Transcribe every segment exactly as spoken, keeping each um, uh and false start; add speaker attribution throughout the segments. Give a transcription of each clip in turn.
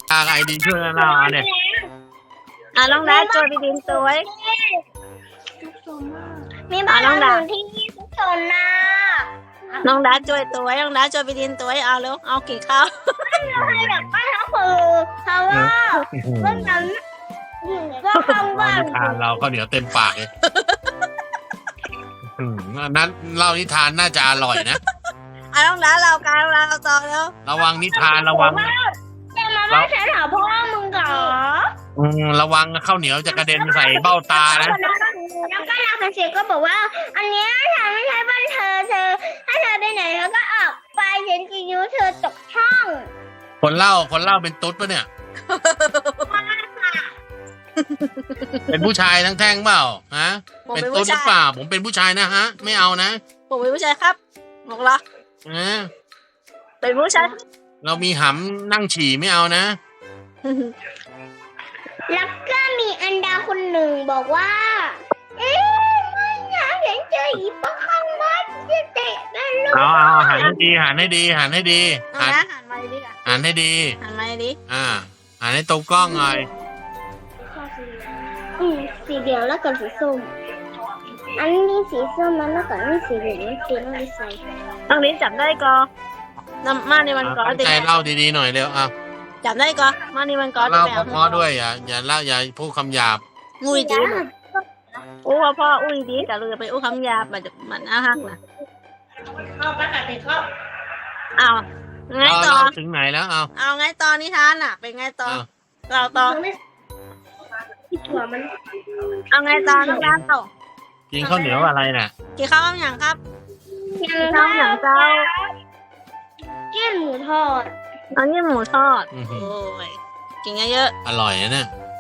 Speaker 1: ไอดีช่วยเราเนี่ย
Speaker 2: อ่ะน้องดาช่วยพี่ดินสวย
Speaker 3: มีบ้านหลังที่ทุกคนนะ
Speaker 2: น้องดาช่วยตัวน้องดาช่วยพี่ดินตัวเอาเร็วเอากี่ข้าว
Speaker 3: เราให้แบบบ้านทั้งคือเพราะว่าเรื่องนั้นก็คำว่า
Speaker 1: นิทานเราก็เดี๋ยวเต็มปากเลยนั้นเล่านิทานน่าจะอร่อยนะ
Speaker 2: อ่ะน้องดาเราการเราต่อแล้ว
Speaker 1: ระวังนิทานระวัง
Speaker 3: จะมาว่าฉันหาพ่อมึงเหรอ
Speaker 1: อืมระวังข้าวเหนียวจะกระเด็นใส่เบ้าตานะ
Speaker 3: แล้วก็นางเสียก็บอกว่า อันเนี้ยฉันไม่ใช่บ้านเธอเธอถ้าเธอไปไหนแล้วก็ออกไปฉันจะยูเธอตกช่อง
Speaker 1: คนเล่าคนเล่าเป็นตุ๊ดปะเนี่ย เป็นผู้ชายทั้งแท่งเปล่าฮะ
Speaker 2: ผม
Speaker 1: เป็น
Speaker 2: เป็น
Speaker 1: ตุ๊
Speaker 2: ผู้
Speaker 1: ดหรือ
Speaker 2: ชาย
Speaker 1: เปล่า ผมเป็นผู้ชายนะฮะ ไม่เอานะ
Speaker 2: ผมเป็นผู้ชายครับบอกเหรอ
Speaker 1: นะ
Speaker 2: เป็นผู้ชาย
Speaker 1: เรามีหำนั่งฉี่ไม่เอานะ
Speaker 3: แล้วก็มีอันดาคนหนึ่งบอกว่า เอ๊ะไม่อยากเห็นเจออีป้าข้างบ้านจะเตะกันลูก
Speaker 1: เอาเอาหันให้ดีหันให้ดีหันให้ดี
Speaker 2: น้อง
Speaker 1: หัน
Speaker 2: ดาหันมาดิอ่ะ
Speaker 1: หันให้ดี
Speaker 2: หันมาดิ
Speaker 1: อ่าหันให้ตรงกล้องหน่อย
Speaker 3: อืมสีเหลืองแล้วก็สีส้มอันนี้สีส้มนั้นแล้วก็นี่สีเหลืองสีน้ำใส
Speaker 2: น้องลิ้นจับได้ก็นำมาในวันก่อน
Speaker 1: ตั้ง
Speaker 2: ติ
Speaker 1: ใจเล่าดีๆหน่อยเร็วอ่ะ
Speaker 2: จับได้ก็มาในวันก่อน
Speaker 1: เล่าเพราะๆด้วยอย่าอย่าเล่าอย่าพูดคำหยาบ
Speaker 2: งุยดีอู้พ่อพ่ออุ้ยดีแต่เราจะไปอู้คำหยาบมันจะมันน่าฮักนะ
Speaker 3: เข้าประกาศเข้า
Speaker 2: เอาไง
Speaker 1: เอา
Speaker 2: ต่อ
Speaker 1: เล่าถึงไหนแล้วเอา
Speaker 2: เอาไงต่อนิทานอ่ะ เป็นไงต่อ
Speaker 1: เอา
Speaker 2: เราต่อ
Speaker 3: ที่ถั่วมัน
Speaker 2: เอาไงต่อน้องดาต่อ
Speaker 1: กินข้าวเหนียวอะไรน่ะ
Speaker 2: กี่ข้าวอย่างครับ
Speaker 3: ยัง
Speaker 2: ข้าวอย่างเจ้า
Speaker 3: เกี้ยนหมูทอด
Speaker 2: เอานี่หมูทอด
Speaker 1: อื้อหื
Speaker 2: โอ้
Speaker 1: อย
Speaker 2: กินเยอะ
Speaker 1: อร่อยนะเนี่ย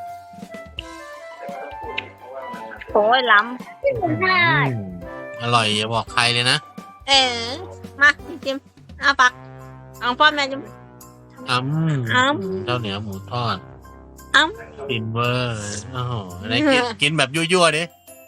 Speaker 2: ๆโอ้ยล้
Speaker 3: หมูทอด
Speaker 1: อืมอร่อยอย่าบอกใครเลยนะ
Speaker 2: ำเออมาจิ้มเอาปักเอาพ่อแม่จิ้ม
Speaker 1: อ้ำ
Speaker 2: อ้
Speaker 1: ข้าวเหนียวหมูทอด
Speaker 2: อ้
Speaker 1: กินเวอร์โอ้โหอะไรกินกินแบบยั่วๆดิ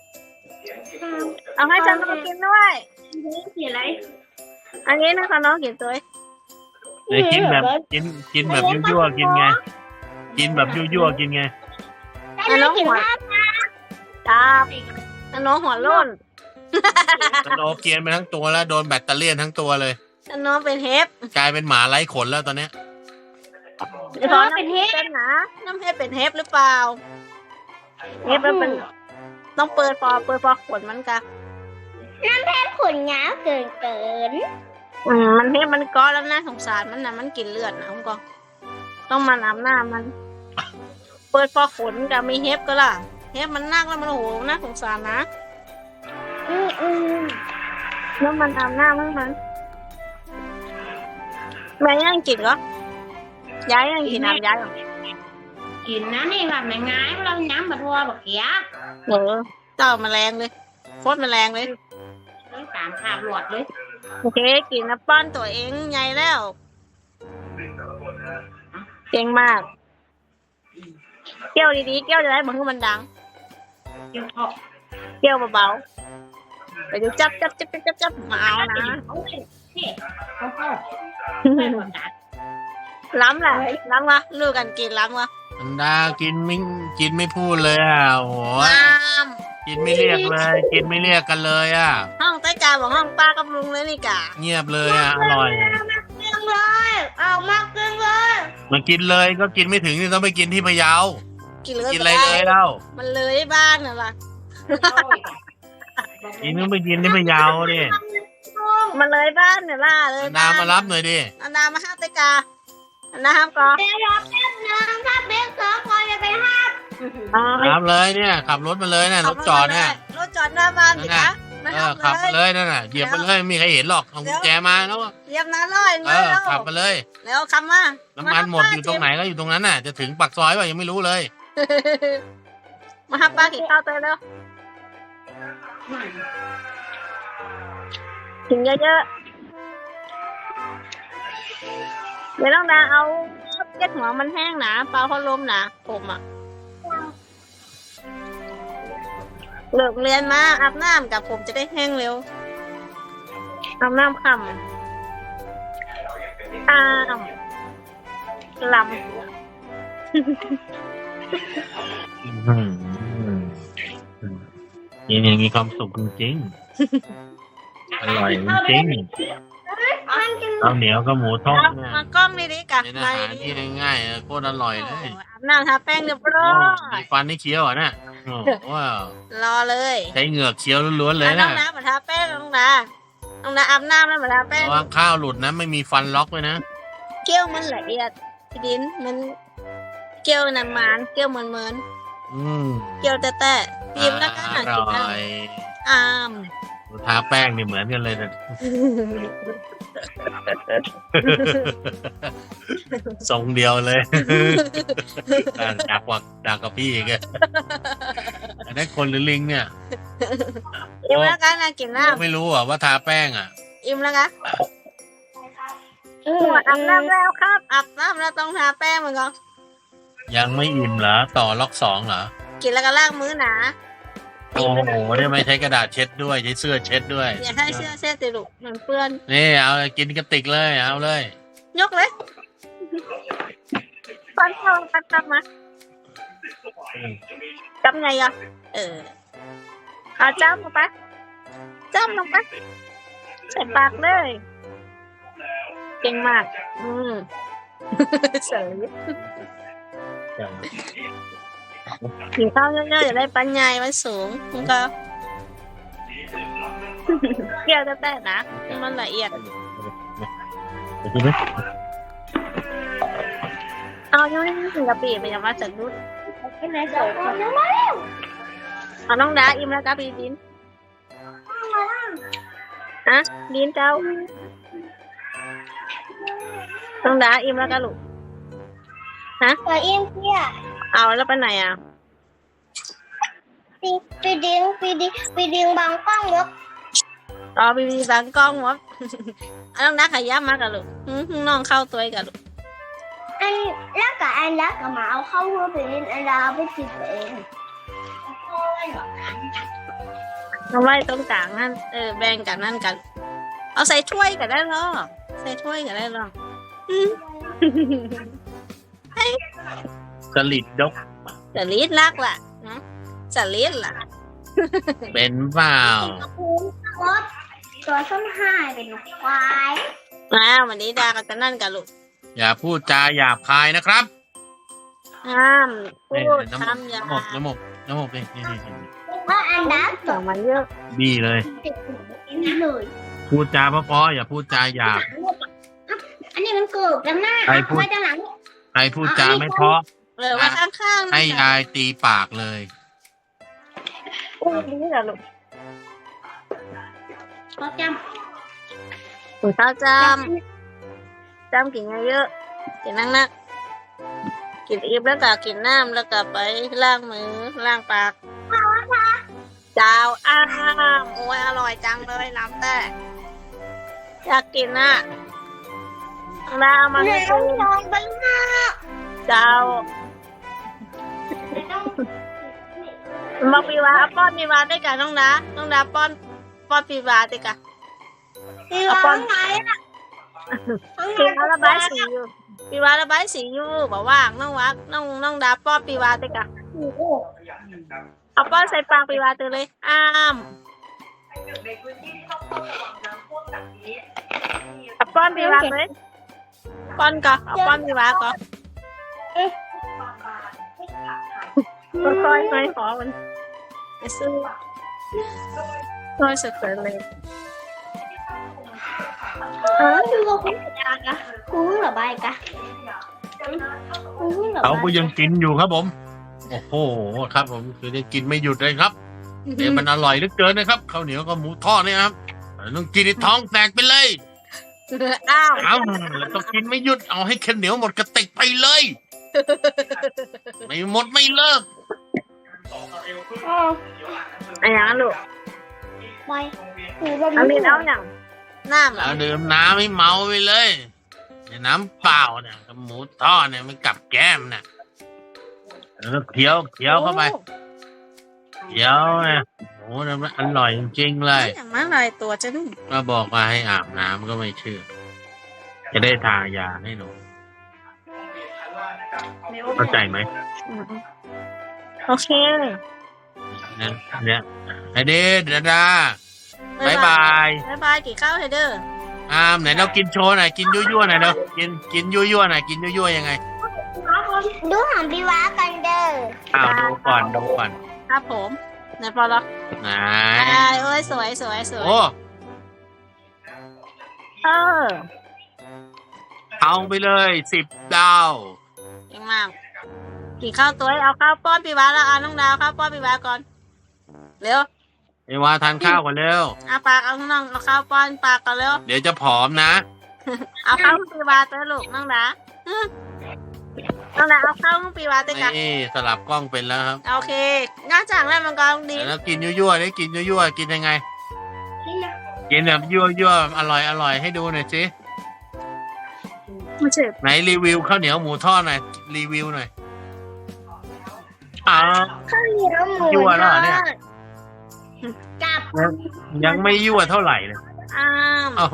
Speaker 2: เอาให้ฉันน้องกินด้วย
Speaker 3: สีอะไร
Speaker 2: อันนี้นะคะน้องกินตัว
Speaker 1: ไหนกินแบบกินกินแบบยั่วๆกินไง กินแบบยั่วๆกินไง
Speaker 3: อันน้องกินข้าว
Speaker 2: จับอันน้องหัวโล้น
Speaker 1: มันโอเกียนไปทั้งตัวแล้วโดนแบตเตอรี่ทั้งตัวเลย
Speaker 2: อันน้องเป็นเฮฟ
Speaker 1: กลายเป็นหมาไร้ขนแล้วตอนเนี้ย
Speaker 2: เดี๋ยวน้องเป็นเฮฟเป็นนะน้ำเฮฟเป็นเฮฟหรือเปล่าเฮฟแล้วเป็นต้องเปิดฟอเปิดฟอขนมันกะ
Speaker 3: น้ำแพ้ขนหยาเกินเกิน
Speaker 2: อืมมันเฮฟมันก้อนแล้วน่าสงสารมันนะมันกินเลือดนะผมก็ต้องมาน้ำหน้ามัน เปิดฟอขนกับมีเฮฟก็ล่ะเฮฟมันนักแล้วมันโอ้โหน่าสงสารนะ
Speaker 3: อืมอืม
Speaker 2: แล้วมันน้ำหน้ามันมันแม่ยังกินเหรอย้ายยังกินน้ำย้ายเหรอ
Speaker 3: กินนะนี่แบบง่ายๆเราย้ำแบบทัวแบบเกี้ย
Speaker 2: เออเจ้าแมลงเลยโคตรแมลงเลย
Speaker 3: ต้องตามขาบหลวดเลย
Speaker 2: โอเคกินน้ำป้อนตัวเองใหญ่แล้วเก่งมากเกี้ยวดีๆเกี้ยวจะได้เหมือนที่มันดัง
Speaker 3: เดี๋ยวเขา
Speaker 2: เกี้ยวเบาๆไปดูจับจับจับจับจับจับมาเอานะ
Speaker 3: เขาเขาเขาไม่หมดกัน
Speaker 2: ล้ำแหละล้ำวะลูกกันกินล้ำวะ
Speaker 1: อันดากินไม่กินไม่พูดเลยอ่ะโอ้โห
Speaker 2: ล้
Speaker 1: กินไม่เรียกเลย กินไม่เรียกกันเลยอ่ะ
Speaker 2: ำห้องใต้กาบอกห้องป้ากับลุงเลยนี่กะ
Speaker 1: เงียบเลยอ่ะอร่อย
Speaker 3: เกินเลยเอามากเกินเลย
Speaker 1: มันกินเลยก็กินไม่ถึงนี่ต้องไปกินที่พะเยา
Speaker 2: กินเลย
Speaker 1: กินอะไรเลยเล่า
Speaker 2: มันเลยบ้านน่ะล่ะ
Speaker 1: กินต้องไปกินที่พะเยาดิ
Speaker 2: มันเลยบ้านเนี่ยล่ะเลย
Speaker 1: อันดามารับหน่อยดิ
Speaker 2: อันดามาห้ามใต้กาอันดาห้ามก่อน
Speaker 3: เดี๋ยวรอแป๊บนึงถ้าเบสเซอร์พอจะไปห้าม
Speaker 1: รับเลยเนี่ยขับรถมาเลยเนี่ยรถจอดเนี่ย
Speaker 2: รถจอดหน้าบ้านสิ
Speaker 1: นั่น
Speaker 2: คะ
Speaker 1: น่ะ
Speaker 2: มา
Speaker 1: เอ
Speaker 2: ห้า
Speaker 1: อ
Speaker 2: ม
Speaker 1: ขับ
Speaker 2: เล
Speaker 1: มาย เลยนั่นน่ะเหยียบมาเลยไม่มีใครเห็นหรอกเอากุญแจมาแล้ว
Speaker 2: เยี่ยมนะร้อย
Speaker 1: เอ
Speaker 2: มา
Speaker 1: อ
Speaker 2: แล้ว
Speaker 1: ขับมาเลย
Speaker 2: แล้วคำว่า
Speaker 1: น้ำมันหมดอยู่ตรงไหนก็อยู่ตรงนั้นน่ะ จะถึงปากซอยป่ะยังไม่รู้เลย
Speaker 2: มาห้ามป้ากินข้าวเตยแล้วกินเยอะๆเดี๋ยวต้องดาเอาเจ็ดหัวมันแห้งนะเปล่าพัดลมนะผมอ่ะเลิกเรียนมาอาบน้ำกับผมจะได้แห้งเร็วอาบน้ำค่ำอ้ามลำ
Speaker 1: อื้อหือกินอย่างมีความสุขจริงๆอร่อยจริง
Speaker 3: มันจะ
Speaker 1: ๆข้าวเหนียวกับหมูทอด
Speaker 2: เอา
Speaker 1: เนี่ย
Speaker 2: มากล้องนี่ดิกะ
Speaker 1: เป็นอา
Speaker 2: มา
Speaker 1: หาร
Speaker 2: ดิ
Speaker 1: ที่ง่ายๆเออโคตรอร่อยเลย
Speaker 2: อาบน้ำทาแป้งเรียบร้อ
Speaker 1: โอ้
Speaker 2: ย
Speaker 1: มีฟันให้เคี้ยวอ่ะนะโอ้ว้าว
Speaker 2: รอเลย
Speaker 1: ใช้เหงือกเคี้ยวล้วนๆเลย
Speaker 2: อ่ะน้อ
Speaker 1: นะ
Speaker 2: งน้ามาทาแป้งน้องน้าน้องน้าอาบน้ำแล้วมาทาแป้ง
Speaker 1: ระวังข้าวหลุดนะไม่มีฟันล็อกเลยนะ
Speaker 2: เกี้ยวมันละเอียดพี่ดินมันเกี้ยวน้ำมันเกี้ยวเหมือนเหมือน
Speaker 1: อืม
Speaker 2: เกี้ยวแต่แต่พิมพ์แล้วก็ห
Speaker 1: อ
Speaker 2: น่อยกิน
Speaker 1: ร่
Speaker 2: นะ
Speaker 1: อย
Speaker 2: อาม
Speaker 1: ทาแป้งนี่เหมือนกันเลยนะ ทรงเดียวเลยดักกว่าดักกับพี่อีกอะอันนั้นคนหรือลิงเนี่ย
Speaker 2: อิ่มแล้วกันนะกินน้
Speaker 1: ไม่รู้อ่ะว่าทาแป้งอ่ะ
Speaker 2: ำอิ่มแล้วกันหัวอาบน้ำแล้วครับอาบน้ำแล้วต้องทาแป้งมันก็
Speaker 1: ยังไม่อิ่มเหรอต่อล็อกสองเหรอ
Speaker 2: กินแล้วก็ล้างมือหนา
Speaker 1: โอ้โหเนี่ยไม่ใช้กระดาษเช็ดด้วยใช้เสื้อเช็ดด้วย
Speaker 2: อย่าให้เสื้อเส้นติดลูกมันเปื้อน
Speaker 1: นี่เอากินกระติกเลยเอาเลย
Speaker 2: ยกเลยปันทองปันทองมาจำไงอ่ะเออเอาจ้ำลงไปจ้ำลงไปใส่ปากเลยเก่งมากอืมเสยกินข้าวเยอะๆอย่าได้ปัญญามันสูงมันก็เกี่ยวแต่แต่นะมันละเอียดเอาอยู่นี่ถึงกะปิมันยังมาจากรุ่น
Speaker 3: เป็นไหนสองคนแล้ว
Speaker 2: เอาน้องดาอิ่มแล้วกะปิดินฮะดินเจ้าน้องดาอิ่มแล้วกะลูก
Speaker 3: ตัวเอ็มเพี้ย
Speaker 2: เอาแล้วไปไหนอ่ะ
Speaker 3: ปีปีดิงปีดิปีดิงบางกล้องวะ
Speaker 2: รอบีบีบางกล้องวะ เอาน้องดาขยับมากะลูกหืมน้องเข้าตัวกะลูก
Speaker 3: อันแล้วกับอันแล้วกับมาเอาเข้าหัวไปเล่นอันเราไปติดเอง
Speaker 2: เอาไว้ตรงกลางนั่นเออแบ่งกันนั่นกัน เอาใส่ถ้วยกันได้หรอใส่ถ้วยกันได้หรออืม
Speaker 1: สลิดดก
Speaker 2: จะลีดลักล่ะนะจะลีดล่ะ
Speaker 1: เป็นเปล่า
Speaker 3: รถตัวส้นหายเป็นควาย
Speaker 2: อ้าววันนี้ดาก็จะนั่นกันลูก
Speaker 1: อย่าพูดจาหยาบคายนะครับ
Speaker 2: ห้ามพู
Speaker 1: นี่
Speaker 2: ด
Speaker 1: น้ำหมก
Speaker 2: คำหยา
Speaker 1: น้ำหมกน้ำหมกน้ำหมกนี่นี่นี่นี่
Speaker 3: ว่าอันดับ
Speaker 2: เสียงมันเยอะ
Speaker 1: บี้เลย
Speaker 3: ติดนี่เลย
Speaker 1: พูดจาเพราะๆอย่าพูดจาหยาบ
Speaker 3: อันนี้มันเกิดกันหน้า
Speaker 1: ใครพูด
Speaker 3: ไว้ด้านหลัง
Speaker 1: ใครพูดจาไม่เพราะ
Speaker 2: เลยว่าข้างๆ
Speaker 1: ให้
Speaker 2: นี่
Speaker 1: ยายตีปากเลย
Speaker 2: พูดนี้แหละลูก
Speaker 3: ก็จ
Speaker 2: ถุงเท้าจ
Speaker 3: ำ
Speaker 2: ำจำกินเยอะๆกินนักนักๆกินอิ่มแล้วก็กินน้ำแล้วก็ไปล้างมือล้างปากเจ้าอ้ามโอ้ยอร่อยจังเลยน้ำแต่อยากกินอ่ะน้ำมา
Speaker 3: เหนื่
Speaker 2: ให้
Speaker 3: อย
Speaker 2: ซื้อ
Speaker 3: ลองบ้างนะ
Speaker 2: เจ้าบอกปีวาเอาป้อนปีวาได้กันน้องดาน้องดาป้อนป้อนปีวาได้กัน
Speaker 3: มีร้องไงอ่ะ
Speaker 2: ปีวาระบายสีอยู่ปีวาระบายสีอยู่บอกว่างน้องวักน้องน้องดาป้อนปีวาได้กันเอาป้อนใส่ปากปีวาตัวเลยอ้ามเอาป้อนปีวาเลยป้อนก่อนเอาป้อนปีวาก่อนค่อยๆค่อยๆขอมันไปซื้อค่อยสุดๆเลย
Speaker 3: เออคือเราคุ้นกับยากะคุ้นหรือใบกะคุ้นหรือ
Speaker 1: เขา
Speaker 3: ใบ
Speaker 1: ก็ยังกินอยู่ครับผม โอ้โหครับผมคือได้กินไม่หยุดเลยครับเดี๋ยวมันอร่อยเหลือเกินนะครับข้าวเหนียวกับหมูทอดเนี่ยครับต้องกินในท้องแตกไปเลย
Speaker 2: อ้าว
Speaker 1: เอาต้องกินไม่หยุดเอาให้ข้าวเหนียวหมดกระติกไปเลย ไม่หมดไม่เลิก
Speaker 2: อะไรอย่างนั้นลูก
Speaker 3: ใบคือแบบ
Speaker 2: เอามีดเอาอย่างน้ำเหรอ
Speaker 1: เอาดื่มน้ำให้เมาไปเลยเนี่ยน้ำเปล่าเนี่ยกับหมูทอดเนี่ยมันกับแก้มเนี่ยแล้วก็เคี้ยวเคี้ยวเข้าไปเคี้ยวเนี่ยโอ้โหมันอร่อยจริงๆเลย
Speaker 2: อย่างนั้นอะไรตัวจะนุ่ม
Speaker 1: มาบอกว่าให้อาบน้ำก็ไม่เชื่อ จะได้ทายาให้หนูเข้าใจไหม
Speaker 2: อืมโอเค
Speaker 1: เนี่ยเนี่ยไอเดนดาดาบายบาย
Speaker 2: บายบายกี่ข้าวเฮเดอร์
Speaker 1: อามไหนเรากินโชว์หน่อยกินยั่วๆหน่อยเนาะกินกินยั่วๆหน่อยกินยั่วๆยังไง
Speaker 3: ดูของพี่ว้ากันเด้อ
Speaker 1: อ้าวดูก่อนดูก่อน
Speaker 2: ครับผมไหนพอแล้ว
Speaker 1: ไหน
Speaker 2: ใช่โอ้ยสวยสวยสวย
Speaker 1: โอ้
Speaker 2: เออ
Speaker 1: เอาไปเลยสิบดาว
Speaker 2: เก่งมากกี่ข้าวตัวเอาข้าวป้อนพี่วาแล้วเอาน้องดาวข้าวป้อนพี่วาก่อนเร็ว
Speaker 1: ไอวาทานข้าวก่อนเร็ว
Speaker 2: เอาปากเอาน้องเอาข้าวป้อนปากก่อนเร็ว
Speaker 1: เดี๋ยวจะผอมนะ
Speaker 2: เอาข้าวพี่วาเต้ลูกน้องดาอืมน้องดาเอาข้าวพี่วาเต้กัน
Speaker 1: นี่สลับกล้องเป็นแล้วครับ
Speaker 2: โอเคง่าจังแล้วมังกรดี
Speaker 1: แล้วกินยั่วๆได้กินยั่วๆกินยังไง กินแบบยั่วๆอร่อยอร่อยให้ดูหน่อยสิ
Speaker 2: ไม่เจ็บ
Speaker 1: ไหนรีวิวข้าวเหนียวหมูทอดหน่อยรีวิวหน่อยอ้าว
Speaker 3: ข้าวเหนียวหมู
Speaker 1: ยั่วแล้วเหรอเนี่ย
Speaker 3: กับ
Speaker 1: ยังไม่ยั่วเท่าไหร่เลย
Speaker 2: อ้าม
Speaker 1: โอ้โห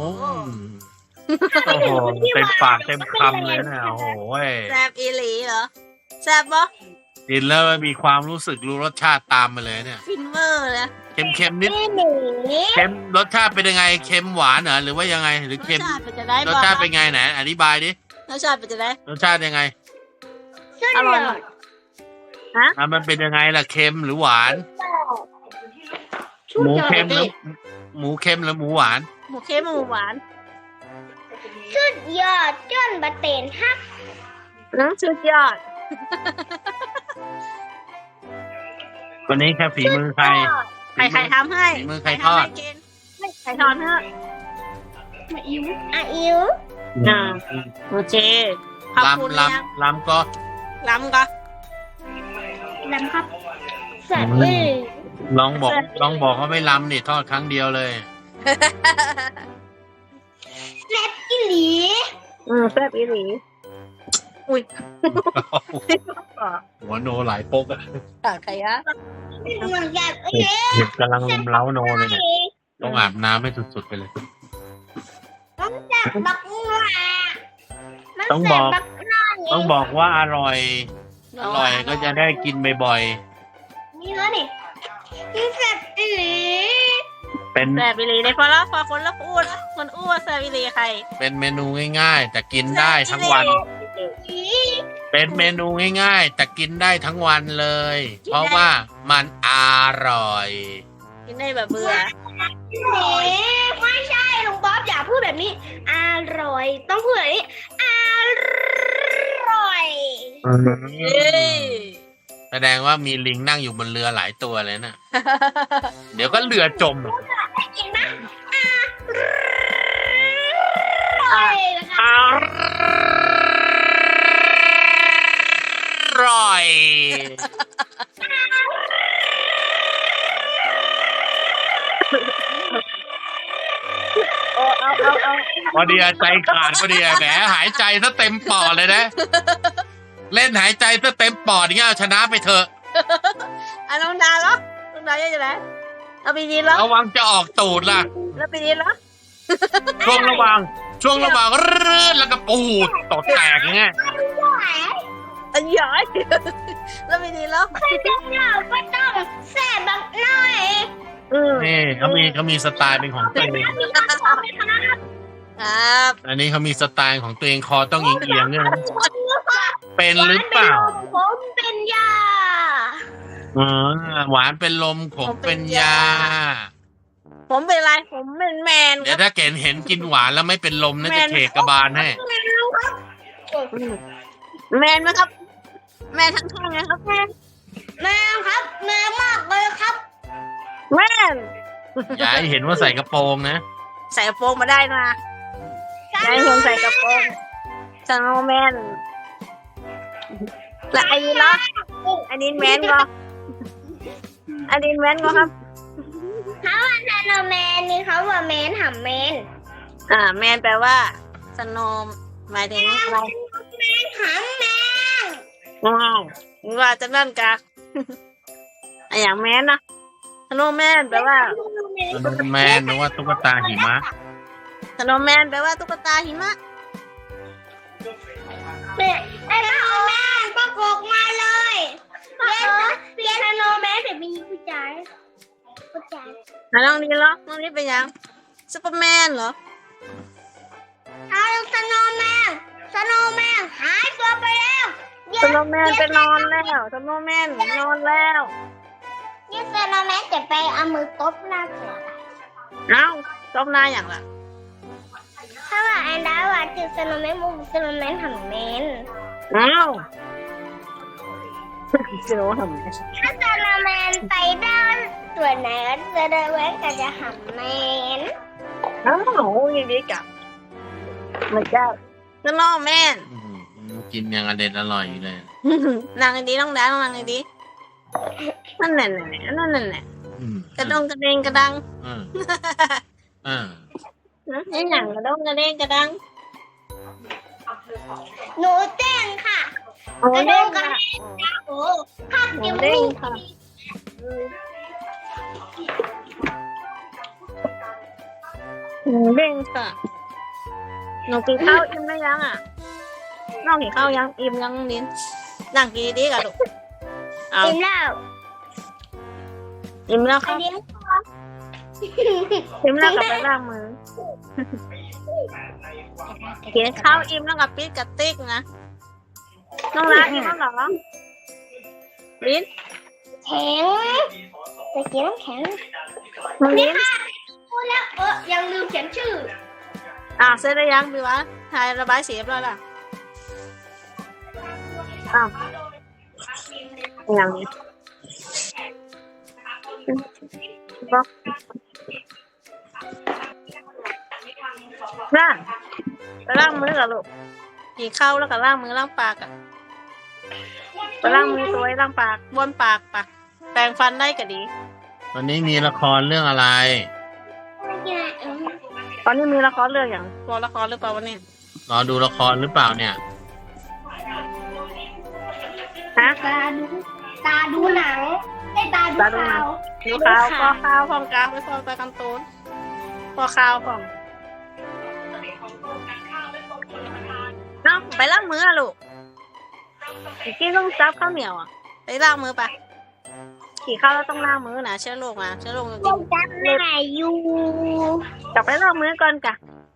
Speaker 1: โอ้โหเต็มปากเต็มคำเลยนะโอ้โหเว้ย
Speaker 2: แซบอีหลีเหรอแซบปะ
Speaker 1: กินแล้วมีความรู้สึกรู้รสชาติตามมาเลยเนี่ย
Speaker 2: ฟินเวอร์เลย
Speaker 1: เค็มๆนิด
Speaker 3: นี่หนี
Speaker 1: เค็มรสชาติเป็นยังไงเค็มหวานเหรอหรือว่ายังไงหรือ
Speaker 2: รส
Speaker 1: เค็ม
Speaker 2: ชาติเป็นจะได้
Speaker 1: ร
Speaker 2: บ
Speaker 1: ส
Speaker 2: อก
Speaker 1: ชาติเป็นไงไหนอธิบายดิ
Speaker 2: รสชาติเป็นจะได้
Speaker 1: รสชาติยังไง
Speaker 3: ขึ้น
Speaker 2: อร่
Speaker 3: เล
Speaker 2: อย
Speaker 3: ย
Speaker 2: มาก ฮะ
Speaker 1: อ่ะมันเป็นยังไงล่ะเค็มหรือหวาน
Speaker 3: ชุด
Speaker 1: หมู
Speaker 3: ยอ
Speaker 1: เค็ม
Speaker 3: ด
Speaker 1: หรือหมูเค็มหรือหมูหวาน
Speaker 2: หมูเค็มหมูหวาน
Speaker 3: ชุดยอดจนบะเตนฮัก
Speaker 2: น้ำสุดยอด
Speaker 1: วันนี้แค่ฝีมือใคร
Speaker 2: ใครใครทำให้
Speaker 1: ฝีมือใครทอด
Speaker 2: ใครทำให้กินใครทอดให้
Speaker 3: มาอิ๋วอ่ะอิ๋ว
Speaker 2: อ่าโอเคขอบคุณ
Speaker 1: ลำ
Speaker 2: นะ
Speaker 1: ลำลำก็
Speaker 2: ล้ำก็
Speaker 3: ลำครับแซ่บเอ้ย
Speaker 1: ลองบอกลองบอกว่าไม่ลำนี่ทอดครั้งเดียวเลย
Speaker 3: แซ่บอีหลี
Speaker 2: อืมแซ่บอีหลีอุ้ย
Speaker 1: หัวโนหลายปกอะ
Speaker 2: ตาใครอะ
Speaker 3: มันแซ่บเอ้ย
Speaker 1: เห็บกำลังลุมเล้าโนเลยเนี่ยต้องอาบน้ำให้สุดๆไปเลย
Speaker 3: มันแซ่บบักหนามัน
Speaker 1: ต้อง
Speaker 3: แซ่
Speaker 1: บอก
Speaker 3: บักหนา
Speaker 1: ต้องบอกว่าอร่อย อร่อยก็จะได้กินบ่อย
Speaker 3: นี่แล้วนี่มันแซ่บอีหลี
Speaker 1: ๆ เป็น
Speaker 2: แซ่บอีหลีในพอแล้วพอคนละอ้วนคนอ้วนแซ่บอีหลีใคร
Speaker 1: เป็นเมนูง่ายๆ แต่กินได้ทั้งวัน เป็นเมนูง่ายๆ แต่กินได้ทั้งวันเลย เพราะว่ามันอร่อย
Speaker 2: กินได้แบบเบื่อ
Speaker 3: นี่ไม่ใช่ลุงบ๊อบอย่าพูดแบบนี้ อร่อย ต้องพูดแบบนี้ อร่อย
Speaker 2: เย้
Speaker 1: แสดงว่ามีลิงนั่งอยู่บนเรือหลายตัวเลยนะ เดี๋ยวก็เรือจม
Speaker 3: จริงนะอร่อยนะคะ
Speaker 1: อร่อย
Speaker 2: โอ้เอาเอาเอา
Speaker 1: พอดีอะใจขาดพอดีอะแหมหายใจซะเต็มปอดเลยนะ เล่นหายใจซะเต็มปอดอย่างเงี้ยเอาชนะไปเถอะ
Speaker 2: อ่ะน้องดาเหรอน้องดายังไงเอาไปดีแล้ว
Speaker 1: ระวังจะออกตูดล่ะ
Speaker 2: แล้วไปดีแล้ว
Speaker 1: ช่วงระหว่างช่วงระหว่างรื่นแล้วก็ปูดตดแตกอย่างเงี้ย
Speaker 2: อันใหญ่แล้วไปดีแล้ว
Speaker 3: เราก็ต้องแซ่บบักหน่อย
Speaker 2: อืม
Speaker 1: นี่เขามีเขามีสไตล์เป็นของตัวเอง
Speaker 2: ครับ
Speaker 1: อันนี้เขามีสไตล์ของตัวเองคอต้องเอียงๆเนี่ยนะเป็นหรือเปล่า
Speaker 3: ผมเป็นยา
Speaker 1: อ๋อหวานเป็นลมขมเป็นยา
Speaker 2: ผมเป็นไรผมเป็นแมนค
Speaker 1: เดี๋ย
Speaker 2: รั
Speaker 1: ว
Speaker 2: บ
Speaker 1: ถ้าเห็นเห็นกินหวานแล้วไม่เป็นลมน่าจะเขกกระบาลให้
Speaker 2: แมนไหมครับ แมนทั้งข้างนะครับแมน
Speaker 3: แม่ครับแม่มากเลยครับ
Speaker 2: แมน
Speaker 1: อย่าให้เห็นว่าใส่กระโปรงนะ
Speaker 2: ใส่กระโปรงมาได้นะอย่าให้ผมใส่กระโปรงสโนว์แมนและอันนี้ล่ะอันนี้แมนก็อันนี้แมนก็ครับ
Speaker 3: เขาว่าซานแมนนี่เขาว่าแมนหำแมน
Speaker 2: อ่าแมนแปลว่าสโนว์หมายถึงอะไร
Speaker 3: แมนหำแมน
Speaker 2: ว้าวว่าจะนั่นกะ อะอย่างแมนนะสโนว์แมนแปลว่า
Speaker 1: แมนหรือว่าตุ๊กตาหิมะ
Speaker 2: สโนว์แมนแปลว่าตุ๊กตาหิมะ
Speaker 3: เนี่ยไอ้สโนว์แมนประกบมาเลยเรียนเรียนสโนว์แมนแต่มีผู้ชายผู้ชาย
Speaker 2: อ่ะน้องดีเหรอน้องดีเป็นยังซูเปอร์แมนเหรอ
Speaker 3: เอาสโนว์แมนสโนว์แมนหายตัวไปแล้ว
Speaker 2: สโนว์แมนไปนอนแล้วสโนว์แมนนอนแล้ว
Speaker 3: นี่สโนว์แมนจะไปเอามือตบหน้าเสือ
Speaker 2: เอ้าจมนายอย่างละ
Speaker 3: ถ้าว่าอันดาว่าคือสโนว์แมนมุกสโนว์แมนทำแมน
Speaker 2: เอ้าจะรู้ทำไม
Speaker 3: ถ้าสโนว์แมนไปด้านตัวไหนก็สโนว์แมนก็จะหำแมน
Speaker 2: เอ้ายินดีกับมันจะสโนว์แมน
Speaker 1: อื้อหือกินยังอเด็ดอร่อยอยู่เลย
Speaker 2: นางดีน้องดาน้องนางดีนั่นแหละนั่นแหละ
Speaker 1: อืม
Speaker 2: กระดงกระเด้งกระดัง
Speaker 1: เออเออ
Speaker 2: ไอ้หนังกระดงกระเด้งกระดัง
Speaker 3: หนูเต้นค่ะ
Speaker 2: โอ้เด้งค่ะ
Speaker 3: โอ้ข้า
Speaker 2: ห
Speaker 3: จะ
Speaker 2: นู
Speaker 3: มู
Speaker 2: เด้ง
Speaker 3: ก
Speaker 2: ค่ะหนูเด้งค่ะหนูกินข้าวอิ่มได้ยังอ่ะน้องกินข้าวยังอิ่มยังลิ้นนั่งกินดีๆกันลูกเอา
Speaker 3: กินแล้ว
Speaker 2: อิ่มแล้ว
Speaker 3: อั
Speaker 2: ค่ะ
Speaker 3: นนี้
Speaker 2: อิ่มแล้วก็ไปล้างมือกินข้าวอิ่มแล้วก็ปิดกระติกนะน้องรักอิ่มแล้วเหรอลิ้น
Speaker 3: แข็งจะกินน้ำแข็ง
Speaker 2: น้องลิ้น
Speaker 3: พูดแล้วเออยังลืมเขียนชื่อ
Speaker 2: อ่าเสร็จแล้วยังพี่วะถ่ายระบายสีเรียบร้อยแล้วอ้าวอย่างนี้บอกน่าไปล้างมือกับลูกกินข้าวแล้วก็ล้างมือล้างปากอะไปล้างมือตัวไว้ล้างปากบ้วนปากปะแปรงฟันได้ก็ดี
Speaker 1: วันนี้มีละครเรื่องอะไร
Speaker 3: ไม่กินอะไรเออ
Speaker 2: ตอนนี้มีละครเรื่องอย่างตัวละครหรือเปล่าวันนี้
Speaker 1: รอดูละครหรือเปล่าเนี่ย
Speaker 2: ฮะ
Speaker 3: ตาดูตาดูหนังไอ้ตาดู
Speaker 2: ตาดูหนั
Speaker 3: ข่าง ว
Speaker 2: ดูข้าวพอข้าวพร้อมกลางไปพร้อมตากันตูนพอข้าวพร้อมเอ้าไปล้างมืออะลูกกินต้องซับข้าวเหนียวอ่ะไปล้างมือไปขี่ข้าวแล้วต้องล้างมือนะเชื้อโรคมาเชื้อโรคจ
Speaker 3: ยั
Speaker 2: ริ
Speaker 3: ง
Speaker 2: ง
Speaker 3: จำได้อยู่
Speaker 2: ๆกลับไปล้างมือก่อนกะ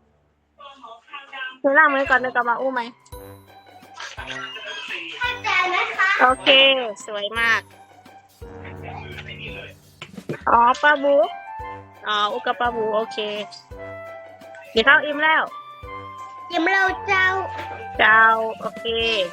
Speaker 2: ไปล้างมือก่อนเดี๋ยวกลับมาอู้ไหม
Speaker 3: เข้าใจไหมคะ
Speaker 2: โอเค สวยมากอ๋อปลาบูอ๋ออุกกาปลาบูโอเคกินข้าวอิ่มแล้ว
Speaker 3: ยิ้มเราเจ้า
Speaker 2: เจ้าโอเค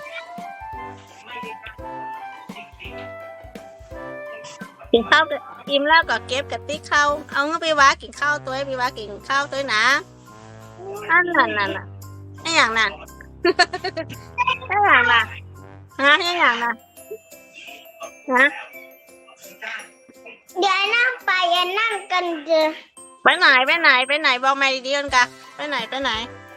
Speaker 2: กินข้าวอิ่มแล้วก็เก็บกระติกข้าวเอาเงินไปว้ากินข้าวตัวให้ไปว้ากินข้าวตัวนะอันนั้นนั่นน่ะไอ้อย่างนั้นไอ้อย่างน่ะฮะไอ้อย่างน่ะฮะ
Speaker 3: เดี๋ยวนั่งไปอย่านั่งกันเจอ
Speaker 2: ไปไหนไปไหนไปไหนบอกมาดีๆกันกะไปไหนไปไหน